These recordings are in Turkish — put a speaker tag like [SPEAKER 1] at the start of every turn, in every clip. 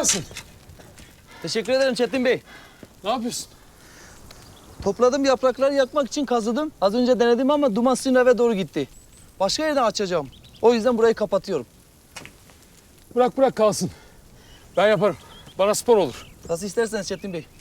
[SPEAKER 1] gelsin.
[SPEAKER 2] Teşekkür ederim Çetin Bey.
[SPEAKER 1] Ne yapıyorsun?
[SPEAKER 2] Topladım yaprakları yakmak için kazıdım. Az önce denedim ama duman sizin eve doğru gitti. Başka yerden açacağım. O yüzden burayı kapatıyorum.
[SPEAKER 1] Bırak kalsın. Ben yaparım. Bana spor olur.
[SPEAKER 2] Nasıl isterseniz Çetin Bey.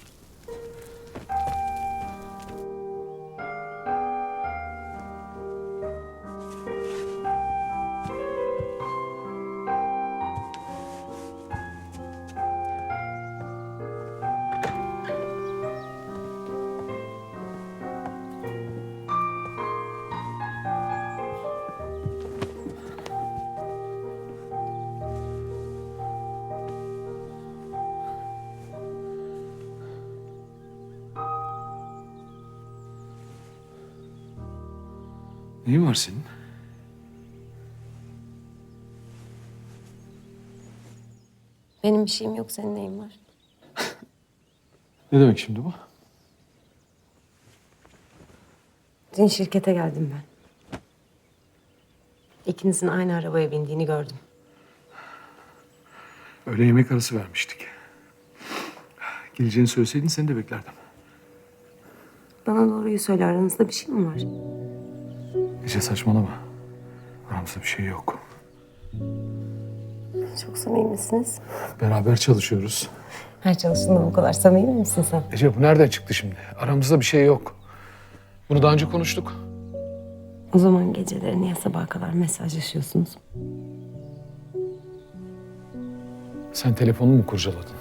[SPEAKER 1] Neyin var senin?
[SPEAKER 3] Benim bir şeyim yok, senin neyin var?
[SPEAKER 1] Ne demek şimdi bu?
[SPEAKER 3] Dün şirkete geldim ben. İkinizin aynı arabaya bindiğini gördüm.
[SPEAKER 1] Öğle yemek arası vermiştik. Geleceğini söyleseydin seni de beklerdim.
[SPEAKER 3] Bana doğruyu söyle, aranızda bir şey mi var?
[SPEAKER 1] Ece saçmalama. Aramızda bir şey yok.
[SPEAKER 3] Çok samimi misiniz?
[SPEAKER 1] Beraber çalışıyoruz.
[SPEAKER 3] Her çalıştığında bu kadar samimi misin sen?
[SPEAKER 1] Ece bu nereden çıktı şimdi? Aramızda bir şey yok. Bunu daha önce konuştuk.
[SPEAKER 3] O zaman geceleri niye sabaha kadar mesajlaşıyorsunuz?
[SPEAKER 1] Sen telefonunu mu kurcaladın?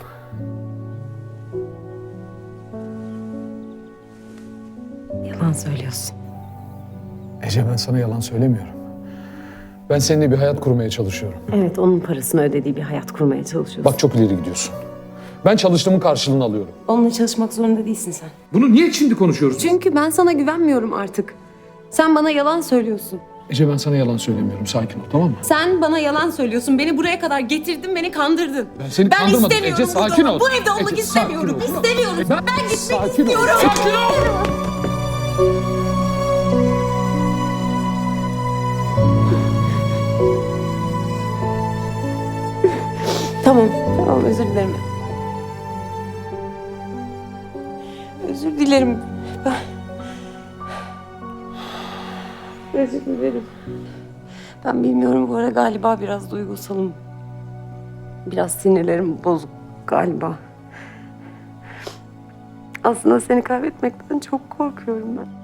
[SPEAKER 3] Yalan söylüyorsun.
[SPEAKER 1] Ece ben sana yalan söylemiyorum. Ben seninle bir hayat kurmaya çalışıyorum.
[SPEAKER 3] Evet, onun parasını ödediği bir hayat kurmaya çalışıyorsun.
[SPEAKER 1] Bak çok ileri gidiyorsun. Ben çalıştığımın karşılığını alıyorum.
[SPEAKER 3] Onunla çalışmak zorunda değilsin sen.
[SPEAKER 1] Bunu niye şimdi konuşuyoruz?
[SPEAKER 3] Çünkü ben sana güvenmiyorum artık. Sen bana yalan söylüyorsun.
[SPEAKER 1] Ece ben sana yalan söylemiyorum. Sakin ol tamam mı?
[SPEAKER 3] Sen bana yalan söylüyorsun. Beni buraya kadar getirdin, beni kandırdın.
[SPEAKER 1] Ben seni kandırmadım.
[SPEAKER 3] istemiyorum
[SPEAKER 1] Ece
[SPEAKER 3] burada
[SPEAKER 1] sakin
[SPEAKER 3] olmak.
[SPEAKER 1] ol.
[SPEAKER 3] Bu evde olmak
[SPEAKER 1] Ece,
[SPEAKER 3] istemiyorum.
[SPEAKER 1] sakin ol.
[SPEAKER 3] İstemiyorum. Ben gitmek
[SPEAKER 1] Sakin
[SPEAKER 3] istiyorum.
[SPEAKER 1] ol. Sakin ol.
[SPEAKER 3] Tamam özür dilerim. Özür dilerim. Özür dilerim. Ben bilmiyorum bu ara galiba biraz duygusalım. Biraz sinirlerim bozuk galiba. Aslında seni kaybetmekten çok korkuyorum ben.